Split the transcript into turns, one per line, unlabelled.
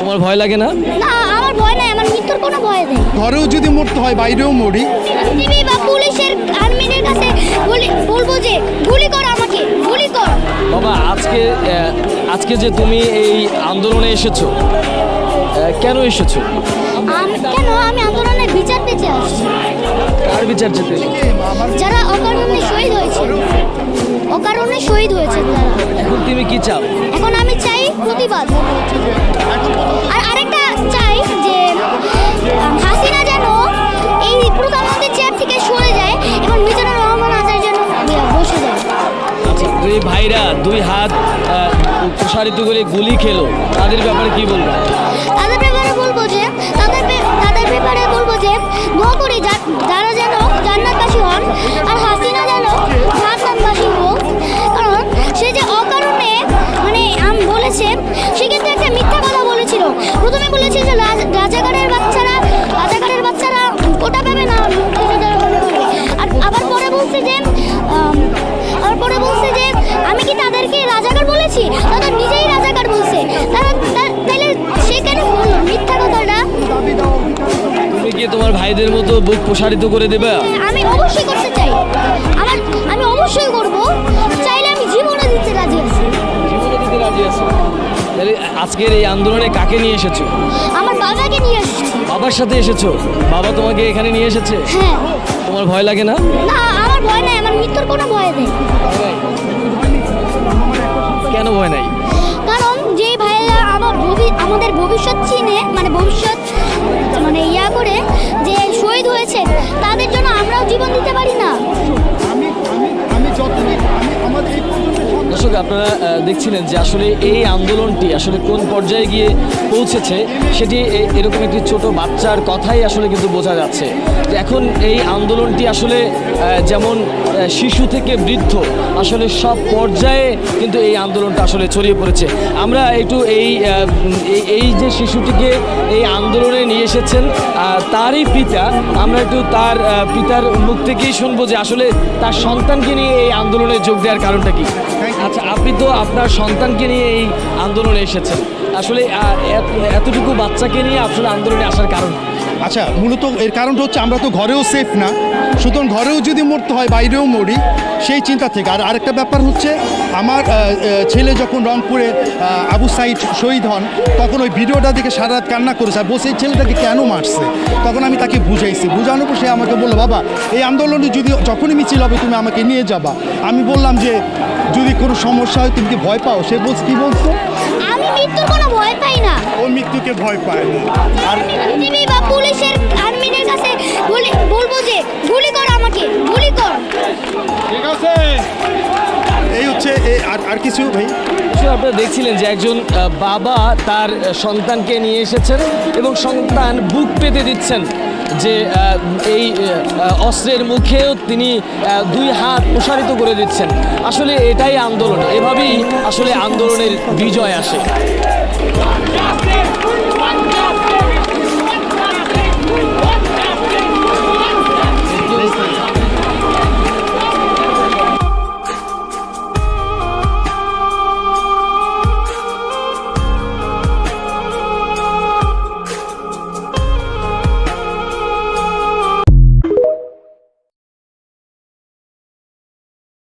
তোমার ভয় লাগে না?
না, আমার ভয় নাই, আমার মৃত্যুর কোনো ভয় নেই।
ঘরেও যদি মরতে হয় বাইরেও মরি।
টিভি বা পুলিশের আর্মিদের কাছে বলবো যে গুলি কর, আমাকে গুলি কর।
বাবা, আজকে যে তুমি এই আন্দোলনে এসেছো, কেন এসেছো?
কেন? আমি আন্দোলনের বিচার পেতে আসছি।
কার বিচার চেতে?
যারা অকারণে শহীদ হয়েছে, অকারণে শহীদ হয়েছে তারা।
এখন তুমি কি চাও?
এখন আমি চাই প্রতিবাদ। আর আরেকটা চাই যে হাসিনা যেন এই প্রধানমন্ত্রীর চেয়ার থেকে সরে যায় এবং মিজানুর রহমান আজাদ যেন বসে যায়।
আচ্ছা, দুই ভাইরা দুই হাত প্রসারিত করে গুলি খেলো, তাদের ব্যাপারে কি বলবো?
তাদের ব্যাপারে বলবো যে দোয়া করি যারা যেন জান্নাতবাসী হন, আর হাসিনা যেন জাহান্নামবাসী হোক। কারণ সে যে অকারণে বলেছে, সে কিন্তু একটা মিথ্যা কথা বলেছিল। প্রথমে বলেছে যে রাজাকারের বাচ্চারা কোটা পাবে না, আর আবার পরে বলছে যে আমি কি তাদেরকে রাজাকার বলেছি? তারা নিজেই রাজাকার বলছে। তাহলে সে কেন বলল মিথ্যা কথাটা?
তুমি কি তোমার ভাইদের মতো বুক প্রসারিত করে দেবে?
আমি অবশ্যই করতে চাই, আমি অবশ্যই করব। চাইলে আমি জীবনে দিতে রাজি আছি।
জীবনে দিতে রাজি আছো? তাহলে আজকের এই আন্দোলনে কাকে নিয়ে এসেছো?
আমার বাবাকে নিয়ে এসেছি।
বাবার সাথে এসেছো? বাবা তোমাকে এখানে নিয়ে এসেছে?
হ্যাঁ।
তোমার ভয় লাগে না?
না, আমার ভয় নাই, আমার মৃত্যুর কোনো ভয় নেই।
কেন ভয় নাই?
কারণ যে ভাইয়েরা আমাদের ভবিষ্যৎ চিনে, ইয়া করে যে শহীদ হয়েছে, তাদের জন্য আমরাও জীবন দিতে পারি না?
দর্শক, আপনারা দেখছিলেন যে আসলে এই আন্দোলনটি আসলে কোন পর্যায়ে গিয়ে পৌঁছেছে, সেটি এরকম একটি ছোট বাচ্চার কথাই আসলে কিন্তু বোঝা যাচ্ছে যে এখন এই আন্দোলনটি আসলে যেমন শিশু থেকে বৃদ্ধ আসলে সব পর্যায়ে কিন্তু এই আন্দোলনটা আসলে ছড়িয়ে পড়েছে। আমরা একটু এই যে শিশুটিকে এই আন্দোলনে নিয়ে এসেছেন তারই পিতা, আমরা একটু তার পিতার মুখ থেকেই শুনবো যে আসলে তার সন্তানকে নিয়ে এই আন্দোলনে যোগ দেওয়ার কারণটা কি। আচ্ছা, আপনি তো আপনার সন্তানকে নিয়ে এই আন্দোলনে এসেছেন, আসলে এতটুকু বাচ্চাকে নিয়ে আসলে আন্দোলনে আসার কারণ?
আচ্ছা, মূলত এর কারণটা হচ্ছে আমরা তো ঘরেও সেফ না, সুতরাং ঘরেও যদি মরতে হয় বাইরেও মরি, সেই চিন্তা থেকে। আর আরেকটা ব্যাপার হচ্ছে, আমার ছেলে যখন রংপুরে আবু সাইদ শহীদ হন, তখন ওই ভিডিওটা দেখে সারা রাত কান্না করেছে আর বসে এই ছেলেটাকে কেন মারছে। তখন আমি তাকে বুঝাইছি, বুঝানোর পর সে আমাকে বললো, বাবা এই আন্দোলনে যখনই মিছিল হবে তুমি আমাকে নিয়ে যাবা। আমি বললাম যে যদি কোনো সমস্যা হয় তুমি কি ভয় পাও? সে কি বলছো?
আমি মৃত্যুর কোনো ভয় পাই না।
ও মৃত্যুকে ভয় পায় না। আর
টিভি বা পুলিশের আর্মিদের কাছে বলবো যে গুলি কর, আমাকে গুলি কর।
ঠিক আছে, এই হচ্ছে আর কিছু ভাই?
আপনারা দেখছিলেন যে একজন বাবা তার সন্তানকে নিয়ে এসেছেন এবং সন্তান বুক পেতে দিচ্ছেন যে এই অস্ত্রের মুখেও তিনি দুই হাত প্রসারিত করে দিচ্ছেন। আসলে এটাই আন্দোলন, এভাবেই আসলে আন্দোলনের বিজয় আসে।